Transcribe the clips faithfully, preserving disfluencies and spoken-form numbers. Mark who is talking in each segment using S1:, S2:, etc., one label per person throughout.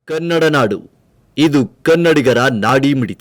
S1: ಕನ್ನಡ ನಾಡು, ಇದು ಕನ್ನಡಿಗರ ನಾಡಿ ಮಿಡಿತ.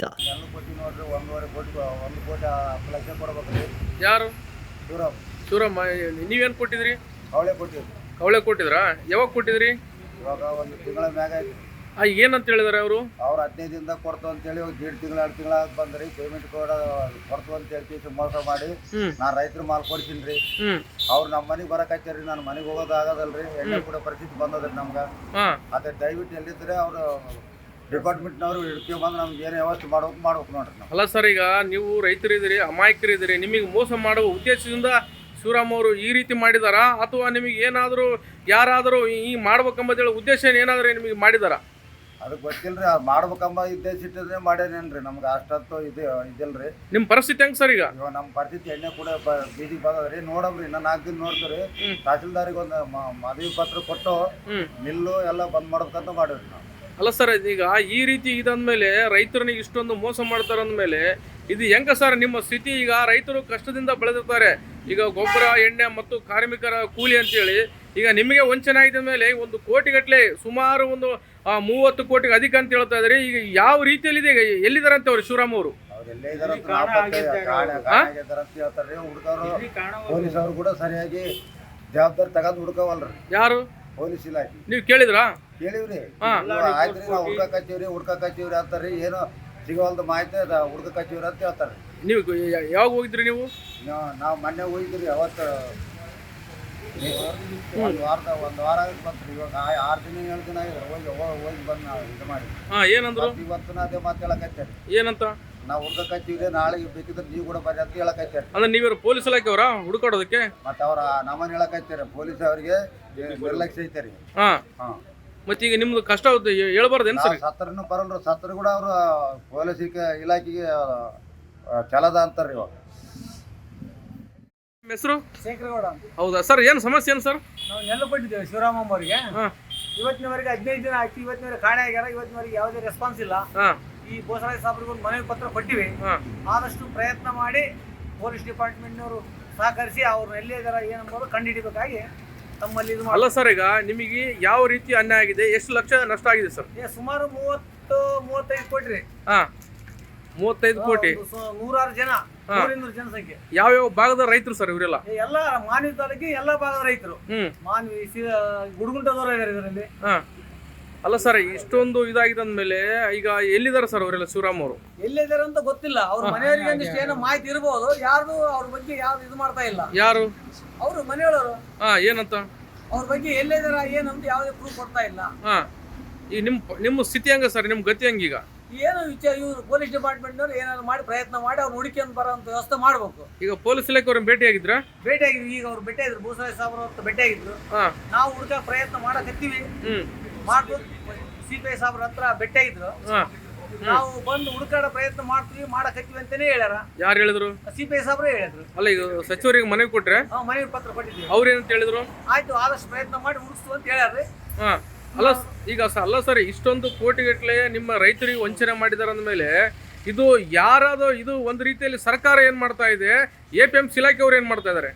S2: ಯಾರು
S3: ಶಿವರಾಮ್
S2: ಶಿವರಾಮ ನೀವೇನು ಕೊಟ್ಟಿದ್ರಿ?
S3: ಅವಳೆ ಕೊಟ್ಟಿದ್ರು.
S2: ಕವಳೆ ಕೊಟ್ಟಿದ್ರಾ? ಯಾವಾಗ ಕೊಟ್ಟಿದ್ರಿ?
S3: ಇವಾಗ ಒಂದು ತಿಂಗಳ ಮ್ಯಾಗ ಆಯ್ತು.
S2: ಆ ಏನಂತ ಹೇಳಿದಾರೆ ಅವರು?
S3: ಅವ್ರು ಹದಿನೈದು ದಿನದಾಗ ಕೊಡ್ತು ಅಂತೇಳಿ ದೇಡ್ ತಿಂಗಳ ಎರಡು ತಿಂಗಳ ಬಂದ್ರಿ ಪೇಮೆಂಟ್ ಕೂಡ ಕೊಡ್ತು ಅಂತ ಹೇಳಿ ಮೋಸ ಮಾಡಿ ನಾ ರೈತರ ಮಾಲ್ ಕೊಡ್ತೀನಿ ರೀ. ಅವ್ರು ನಮ್ಮ ಮನೆಗೆ ಬರಕತ್ತಾರಿ, ನಾನು ಮನೆಗೆ ಹೋಗೋದು ಆಗೋದಲ್ರಿ. ಎಣ್ಣೆ ಕೂಡ ಪರಿಸ್ಥಿತಿ ಬಂದದ್ರಿ ನಮ್ಗೆ. ಅದೇ ದಯವಿಟ್ಟು ಎಲ್ಲಿದ್ರೆ ಅವರು ಡಿಪಾರ್ಟ್ಮೆಂಟ್ನವರು ಹಿಡ್ಕೊ ಬಂದು ನಮ್ಗೆ ಏನು ವ್ಯವಸ್ಥೆ ಮಾಡ್ಬೇಕು ಮಾಡ್ಬೇಕು ನೋಡ್ರಿ ನಾವು.
S2: ಅಲ್ಲ ಸರ್, ಈಗ ನೀವು ರೈತರಿದ್ದೀರಿ, ಅಮಾಯಕರಿದ್ದೀರಿ, ನಿಮಗೆ ಮೋಸ ಮಾಡುವ ಉದ್ದೇಶದಿಂದ ಶಿವರಾಮ್ ಅವರು ಈ ರೀತಿ ಮಾಡಿದಾರಾ ಅಥವಾ ನಿಮಗೆ ಏನಾದರೂ ಯಾರಾದರೂ ಈ ಮಾಡ್ಬೇಕಂಬುದೇಳಿ ಉದ್ದೇಶ ಏನಾದರೂ ನಿಮಗೆ ಮಾಡಿದಾರಾ?
S3: ಅದು ಗೊತ್ತಿಲ್ರಿ. ಅದು ಮಾಡ್ಬೇಕಂಬ ಉದ್ದೇಶ ಇಟ್ಟಿದ್ರೆ ಮಾಡ್ಯಾನೇನ್ರಿ. ನಮ್ಗೆ ಅಷ್ಟಂತೂ ಇದೆ ಇದಿಲ್ರಿ.
S2: ನಿಮ್ಮ ಪರಿಸ್ಥಿತಿ ಹೆಂಗೆ ಸರ್? ಈಗ
S3: ಇವಾಗ ನಮ್ಮ ಪರಿಸ್ಥಿತಿ ಎಣ್ಣೆ ಕೂಡ ಬೀದಿಗೆ ಬಂದದ್ರಿ. ನೋಡಮ್ರಿ, ಇನ್ನ ನಾಲ್ಕು ದಿನ ನೋಡ್ತೀರಿ. ತಹಸೀಲ್ದಾರಿಗೆ ಒಂದು ಮದುವೆ ಪತ್ರ ಕೊಟ್ಟು ಮಿಲ್ಲು ಎಲ್ಲ ಬಂದ್ ಮಾಡ್ಬೇಕಂತ ಮಾಡಿವ್ರಿ ನಾವು.
S2: ಅಲ್ಲ ಸರ್, ಈಗ ಈ ರೀತಿ ಇದಂದ್ಮೇಲೆ ರೈತರನಿಗೆ ಇಷ್ಟೊಂದು ಮೋಸ ಮಾಡ್ತಾರೆ ಅಂದಮೇಲೆ ಇದು ಹೆಂಗ ಸರ್ ನಿಮ್ಮ ಸ್ಥಿತಿ? ಈಗ ರೈತರು ಕಷ್ಟದಿಂದ ಬೆಳೆದಿರ್ತಾರೆ. ಈಗ ಗೊಬ್ಬರ, ಎಣ್ಣೆ ಮತ್ತು ಕಾರ್ಮಿಕರ ಕೂಲಿ ಅಂತೇಳಿ ಈಗ ನಿಮಗೆ ವಂಚನೆ ಆಗಿದ ಮೇಲೆ ಒಂದು ಕೋಟಿಗಟ್ಟಲೆ, ಸುಮಾರು ಒಂದು ಮೂವತ್ತು ಕೋಟಿಗೆ ಅಧಿಕ ಅಂತ ಹೇಳ್ತಾ ಇದ್ದಾರೆ. ಈಗ ಯಾವ ರೀತಿಯಲ್ಲಿದೆ, ಎಲ್ಲಿದ್ದಾರೆ ಅಂತ ಅವ್ರು ಶಿವರಾಮ್ ಅವರು?
S3: ಅವ್ರೆಲ್ಲೇ ಇದಾರೆ ಅಂತ ಹೇಳ್ತಾರೆ. ಹುಡುಗರು ಪೊಲೀಸ್ ಅವರು ಕೂಡ ಸರಿಯಾಗಿ ಜವಾಬ್ದಾರಿ ತಗೊಂಡು ಹುಡ್ಕವಲ್ರಿ.
S2: ಯಾರು?
S3: ಪೊಲೀಸ್ ಇಲಾಖೆ.
S2: ನೀವು ಕೇಳಿದ್ರಾ?
S3: ಕೇಳಿವ್ರಿ. ಆಯ್ತ್ರಿ, ನಾವು ಹುಡ್ಕಕ್ ಹಚ್ಚಿವ್ರಿ ಹುಡ್ಕಕ್ ಹಚ್ಚಿವ್ರಿ ಅಂತಾರ್ರಿ. ಏನು ಸಿಗೋಲ್ದ ಮಾಹಿತಿ ಹುಡ್ಕಕ್ ಹಚ್ಚಿವ್ರಿ ಅಂತ ಹೇಳ್ತಾರೆ.
S2: ನೀವು ಯಾವಾಗ ಹೋಗಿದ್ರಿ? ನೀವು
S3: ನಾವು ಮೊನ್ನೆ ಹೋಗಿದ್ರಿ. ಅವತ್ತು ಒಂದು ವಾರದ ಒಂದು ವಾರ ಬಂತ್ರಿ. ಇವಾಗ ಆರು ದಿನ ಏಳು ದಿನ ಆಗಿದೆ ಹೋಗಿ ಹೋಗಿ ಬಂದು ನಾವು ಇದು ಮಾಡಿ.
S2: ಹಾ, ಏನಂದ್ರು?
S3: ಇವತ್ತು ಅದೇ ಮಾತು ಹೇಳಕತ್ತೇರಿ.
S2: ಏನಂತ?
S3: ನಾವು ಹುಡ್ಕಕ್ ಹಚ್ಚಿವ್ರಿ, ನಾಳೆ ಬೇಕಿದ್ರೆ ನೀವು ಕೂಡ ಬರ್ರಿ ಅಂತ ಹೇಳಕತ್ತೇರಿ.
S2: ಅಂದ್ರೆ ನೀವ್ಯಾರು ಪೊಲೀಸ್ ಇಲಾಖೆ ಅವರ ಹುಡುಕಾಡೋದಕ್ಕೆ?
S3: ಮತ್ತೆ ಅವ್ರ ನಮ್ಮನ್ನ ಹೇಳಕತ್ತೇರಿ. ಪೊಲೀಸ್ ಅವರಿಗೆ ನಿರ್ಲಕ್ಷ್ಯ ಐತೆ ರೀ.
S2: ಹಾ
S3: ಹಾ,
S2: ಮತ್ತೆ ಈಗ ನಿಮ್ದು ಕಷ್ಟ ಹೇಳ್ಬಾರ್ದೇನು ಸರ್?
S3: ಸತ್ತರನು ಬರಲ್ರಿ. ಸತ್ತರು ಕೂಡ ಅವರು ಪೊಲೀಸ್ ಇಲಾಖೆಗೆ ಚಲದ ಅಂತಾರ್ರಿ. ಇವಾಗ
S2: ಹೆಸರು
S4: ಶೇಖರಗೌಡ.
S2: ಹೌದಾ ಸರ್? ಏನು ಸಮಸ್ಯೆ ಏನು ಸರ್?
S4: ನಾವು ನೆಲ್ಲ ಕೊಟ್ಟಿದ್ದೇವೆ ಶಿವರಾಮಮ್ಮ ಅವರಿಗೆ. ಇವತ್ತಿನವರೆಗೆ ಹದಿನೈದು ದಿನ ಆಯ್ತು. ಇವತ್ತಿನವರೆಗೆ ಕಾಣೆ ಆಗ್ಯಾರ. ಇವತ್ತಿನವರೆಗೆ ಯಾವುದೇ ರೆಸ್ಪಾನ್ಸ್ ಇಲ್ಲ. ಈ ಬೋಸರಾಜ್ ಸಾಬ್ರಿಗೆ ಒಂದು ಮನವಿ ಪತ್ರ ಕೊಟ್ಟಿವಿ. ಆದಷ್ಟು ಪ್ರಯತ್ನ ಮಾಡಿ ಪೊಲೀಸ್ ಡಿಪಾರ್ಟ್ಮೆಂಟ್ನವರು ಸಹಕರಿಸಿ ಅವ್ರನ್ನ ಎಲ್ಲಿ ಇದಾರ ಏನಂಬೋದು ಕಂಡುಹಿಡಿಬೇಕಾಗಿ ತಮ್ಮಲ್ಲಿ ಇದು.
S2: ಅಲ್ಲ ಸರ್, ಈಗ ನಿಮಗೆ ಯಾವ ರೀತಿ ಅನ್ಯಾಯ ಆಗಿದೆ? ಎಷ್ಟು ಲಕ್ಷ ನಷ್ಟ ಆಗಿದೆ ಸರ್?
S4: ಸುಮಾರು ಮೂವತ್ತು ಮೂವತ್ತೈದು ಕೋಟಿ ರೀ.
S2: ಹಾ, ಮೂವತ್ತೈದು ಕೋಟಿ.
S4: ನೂರಾರು ಜನ, ನೂರಿನೂರು ಜನಸಂಖ್ಯೆ.
S2: ಯಾವ್ಯಾವ ಭಾಗದ ರೈತರು ಸರ್ ಇವರೆಲ್ಲ?
S4: ಎಲ್ಲ ಮಾನ್ವಿ ತಾಲೂಕಿ ಎಲ್ಲ ಭಾಗದ ರೈತರು.
S2: ಹ್ಮ್
S4: ಮಾನ್ವಿ ಗುಡುಗುಂಟದವರು ಇದಾರೆ ಇದರಲ್ಲಿ.
S2: ಹಾ, ಅಲ್ಲ ಸರ್, ಇಷ್ಟೊಂದು ಇದಾಗಿದೆ ಅಂದ್ಮೇಲೆ ಈಗ ಎಲ್ಲಿದ್ದಾರೆ ಸರ್ ಅವರೆಲ್ಲ ಶಿವರಾಮ್ ಅವರು?
S4: ಎಲ್ಲಿದ್ದಾರೆ ಅಂತ ಗೊತ್ತಿಲ್ಲ. ಅವ್ರ ಮನೆಯವರಿಗೆ ಒಂದಿಷ್ಟು ಏನೋ ಮಾಹಿತಿ ಇರಬಹುದು. ಯಾರ್ದು ಅವ್ರ ಬಗ್ಗೆ ಯಾವ್ದು ಇದು ಮಾಡ್ತಾ ಇಲ್ಲ.
S2: ಯಾರು?
S4: ಅವರು ಮನೆಯವರು.
S2: ಹಾ, ಏನಂತ?
S4: ಅವ್ರ ಬಗ್ಗೆ ಎಲ್ಲಿದಾರ ಏನಂತ ಯಾವುದೇ ಪ್ರೂಫ್ ಕೊಡ್ತಾ ಇಲ್ಲ.
S2: ಹಾ, ಈಗ ನಿಮ್ ನಿಮ್ಮ ಸ್ಥಿತಿ ಹಂಗ ಸರ್? ನಿಮ್ ಗತಿ ಹಂಗೀಗ?
S4: ಏನು ವಿಚಾರ, ಇವ್ರು ಪೊಲೀಸ್ ಡಿಪಾರ್ಟ್ಮೆಂಟ್ನವ್ರು ಏನಾದ್ರು ಮಾಡಿ ಪ್ರಯತ್ನ ಮಾಡಿ ಅವ್ರು ಹುಡುಕಿಯನ್ನು ಬರೋಂಥ ವ್ಯವಸ್ಥೆ ಮಾಡ್ಬೇಕು.
S2: ಈಗ ಪೊಲೀಸ್ ಇಲಾಖೆ ಅವ್ರನ್ನ ಭೇಟಿ ಆಗಿದ್ರ?
S4: ಭೇಟಿ ಆಗಿದ್ವಿ. ಈಗ ಅವ್ರು ಭೇಟಿ ಆಗಿದ್ರು, ಭೂಸರಾಜ್ ಸಾಬ್ರ ಅವ್ರ ಭೇಟಿ ಆಗಿದ್ರು. ನಾವು ಹುಡುಕ ಪ್ರಯತ್ನ ಮಾಡಕತ್ತೀವಿ. ಮಾಡ್ಬೋದು. ಸಿ ಪಿ ಐ ಸಾಬ್ರ ಹತ್ರ ಭೇಟಿ ಆಗಿದ್ರು. ನಾವು ಬಂದು ಹುಡುಕಾಡ ಪ್ರಯತ್ನ ಮಾಡ್ತೀವಿ ಮಾಡಕತ್ತೀವಿ ಅಂತಾನೆ ಹೇಳ್ಯಾರ. ಯಾರು ಹೇಳಿದ್ರು? ಸಿ ಪಿ ಐ ಸಾಬ್ರ ಹೇಳಿದ್ರು.
S2: ಅಲ್ಲ, ಈಗ ಸಚಿವರಿಗೆ ಮನವಿ ಕೊಟ್ರೆ?
S4: ಮನವಿ ಪತ್ರ ಕೊಟ್ಟಿದ್ದೀವಿ.
S2: ಅವ್ರು ಏನಂತ ಹೇಳಿದ್ರು?
S4: ಆಯ್ತು, ಆದಷ್ಟು ಪ್ರಯತ್ನ ಮಾಡಿ ಹುಡುಕ್ತು ಅಂತ ಹೇಳ್ಯಾರ್ರಿ.
S2: ಹಾ, ಅಲ್ಲ ಈಗ ಅಲ್ಲ ಸರ್, ಇಷ್ಟೊಂದು ಕೋಟಿಗಟ್ಟಲೆ ನಿಮ್ಮ ರೈತರಿಗೆ ವಂಚನೆ ಮಾಡಿದಾರೆ ಅಂದಮೇಲೆ ಇದು ಯಾರಾದರೂ ಇದು ಒಂದು ರೀತಿಯಲ್ಲಿ ಸರ್ಕಾರ ಏನ್ ಮಾಡ್ತಾ ಇದೆ, ಎ ಪಿ ಎಂ ಸಿ ಇಲಾಖೆ ಅವ್ರು ಏನ್ ಮಾಡ್ತಾ ಇದಾರೆ?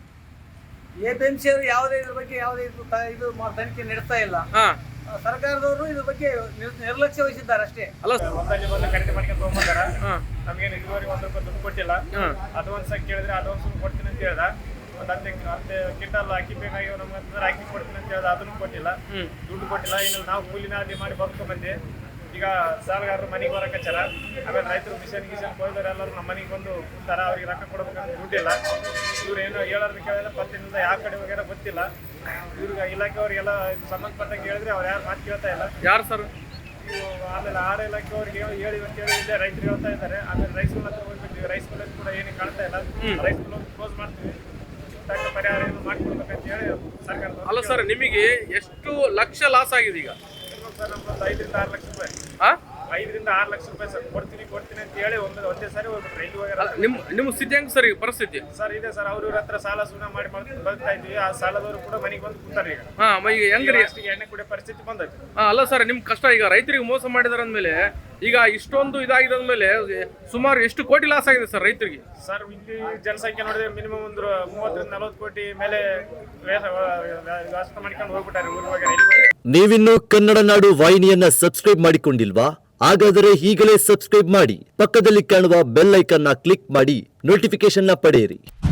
S4: ಎ ಪಿ ಎಂ ಸಿ ಅವರು ಯಾವುದೇ ಇದ್ರ ಬಗ್ಗೆ ಯಾವುದೇ ಇದು ತನಿಖೆ ನಡೆಸ್ತಾ ಇಲ್ಲ. ಸರ್ಕಾರದವರು ಇದ್ರ ಬಗ್ಗೆ ನಿರ್ಲಕ್ಷ್ಯ ವಹಿಸಿದ್ದಾರೆ ಅಷ್ಟೇ.
S2: ಅಲ್ಲ,
S5: ಖರೀದಿ ಮಾಡ್ಕೊಂಡು ತಗೊಂಡ್ಬಂದಾರ. ನಮ್ಗೇನು ಇದುವರೆಗೆ ಒಂದ್ ರೂಪಾಯಿ ದುಡ್ಡು ಕೊಟ್ಟಿಲ್ಲ. ಅಡ್ವಾನ್ಸ್ ಆಗಿ ಕೇಳಿದ್ರೆ ಅಡ್ವಾನ್ಸ್ ಕೊಡ್ತೀನಿ ಅಂತ ಹೇಳ್ದ. ಒಂದ್ ಹತ್ತು ಹತ್ತು ಕ್ವಿಂಟಲ್ ಅಕ್ಕಿ ಬೇಕಾಗಿ ನಮ್ಮ ಹತ್ರ ಅಕ್ಕಿ ಕೊಡ್ತೀನಿ ಅಂತ ಹೇಳ್ದ. ಅದನ್ನು ಕೊಟ್ಟಿಲ್ಲ, ದುಡ್ಡು ಕೊಟ್ಟಿಲ್ಲ. ಇನ್ನು ನಾವು ಕೂಲಿನ ಅಲ್ಲಿ ಮಾಡಿ ಬರ್ಕೊಂಡ್ ಬಂದೆ. ಈಗ ಸಾಲಗಾರರು ಮನೆಗೆ ಬರಕಚ್ಚಾರ. ಆಮೇಲೆ ರೈತರು ಮಿಷನ್ ಗಿಷನ್ ಕೊಯ್ದವ್ರು ಎಲ್ಲರೂ ನಮ್ಮ ಮನೆಗೆ ಬಂದು ಕೂತಾರ. ಅವ್ರಿಗೆ ರೊಕ್ಕ ಕೊಡ್ಬೇಕಂತ ದುಡ್ಡಿಲ್ಲ. ಇವ್ರು ಏನೋ ಹೇಳೋದು ಕೇಳಿದ್ರೆ ಪತ್ತಿನಿಂದ ಯಾವ ಕಡೆ ಹೋಗ್ಯಾರ ಗೊತ್ತಿಲ್ಲ. ಇವ್ರಿಗೆ ಇಲಾಖೆಯವ್ರಿಗೆಲ್ಲ ಸಂಬಂಧಪಟ್ಟಂಗೆ ಹೇಳಿದ್ರೆ ಅವ್ರು ಯಾರು ಮಾತು ಕೇಳ್ತಾ ಇಲ್ಲ.
S2: ಯಾರು ಸರ್?
S5: ಆಮೇಲೆ ಆಹಾರ ಇಲಾಖೆಯವ್ರಿಗೆ ಹೇಳಿ ಅಂತ ಹೇಳಿ ಇಲ್ಲೇ ರೈತರು ಹೇಳ್ತಾ ಇದ್ದಾರೆ. ಆಮೇಲೆ ರೈಸ್ ಮಿಲ್ ಹತ್ರ ಹೋಗ್ಬಿಟ್ಟಿವಿ. ರೈಸ್ ಮಿಲ್ ಕೂಡ ಏನು ಕಾಣ್ತಾ ಇಲ್ಲ. ರೈಸ್ ಮಿಲ್ ಕ್ಲೋಸ್ ಮಾಡ್ತೀವಿ, ತಕ್ಕ ಪರಿಹಾರ ಏನು ಮಾಡ್ಕೊಡ್ಬೇಕಂತ ಹೇಳಿ ಸರ್ಕಾರ.
S2: ಅಲ್ಲ ಸರ್, ನಿಮಗೆ ಎಷ್ಟು ಲಕ್ಷ ಲಾಸ್ ಆಗಿದೆ ಈಗ?
S5: ಸರ್ ನಮ್ಗೊಂದು ಐದರಿಂದ ಆರು ಲಕ್ಷ ರೂಪಾಯಿ.
S2: ಹಾ,
S5: ಐದರಿಂದ ಆರು ಲಕ್ಷ ರೂಪಾಯಿ ಸರ್. ಕೊಡ್ತೀನಿ ಕೊಡ್ತೀನಿ ಅಂತ ಹೇಳಿ ಒಮ್ಮೆ ಒಂದೇ ಸಾರಿ ಹೋಗ್ಬಿಟ್ರೆ ಎಲ್ಲಿ ಹೋಗ್ಯಾರ?
S2: ನಿಮ್ಮ ನಿಮ್ಮ ಸ್ಥಿತಿ ಹೆಂಗ್ ಸರ್ ಈಗ ಪರಿಸ್ಥಿತಿ?
S5: ಸರ್ ಇದೆ ಸರ್. ಅವ್ರ ಇವ್ರ ಹತ್ರ ಸಾಲ ಸುಣ್ಣ ಮಾಡಿ ಬದುಕ್ತಾ ಇದ್ವಿ. ಆ ಸಾಲದವರು ಕೂಡ ಮನೆಗೆ ಬಂದು ಕೂತಾರೆ ಈಗ.
S2: ಹಾ, ಈಗ ಹೆಂಗ್ರಿ?
S5: ಅಷ್ಟಿಗೆ ಎಣ್ಣೆ ಕುಡಿಯೋ ಪರಿಸ್ಥಿತಿ ಬಂದೈತೆ.
S2: ಹಾ, ಅಲ್ಲ ಸರ್, ನಿಮ್ ಕಷ್ಟ ಈಗ ರೈತರಿಗೆ ಮೋಸ ಮಾಡಿದಾರ ಅಂದ್ಮೇಲೆ ಈಗ ಇಷ್ಟೊಂದು ಇದಾಗಿದ ಮೇಲೆ ಸುಮಾರು ಎಷ್ಟು ಕೋಟಿ ಲಾಸ್ ಆಗಿದೆ ಸರ್ ರೈತರಿಗೆ?
S5: ಸರ್ ಇಲ್ಲಿ ಜನಸಂಖ್ಯೆ ನೋಡಿದ್ರೆ ಮಿನಿಮಮ್ ಒಂದು ಮೂವತ್ತರಿಂದ ನಲವತ್ತು ಕೋಟಿ ಮೇಲೆ ವ್ಯವಸ್ಥೆ ಮಾಡ್ಕೊಂಡು ಹೋಗ್ಬಿಟ್ಟಾರೆ ಊರಿಗೆ.
S1: ನೀವಿನ್ನು ಕನ್ನಡ ನಾಡು ವಾಹಿನಿಯನ್ನ ಸಬ್ಸ್ಕ್ರೈಬ್ ಮಾಡಿಕೊಂಡಿಲ್ವಾ? ಹಾಗಾದರೆ ಈಗಲೇ ಸಬ್ಸ್ಕ್ರೈಬ್ ಮಾಡಿ, ಪಕ್ಕದಲ್ಲಿ ಕಾಣುವ ಬೆಲ್ ಐಕನ್ನ ಕ್ಲಿಕ್ ಮಾಡಿ ನೋಟಿಫಿಕೇಶನ್ ನ ಪಡೆಯಿರಿ.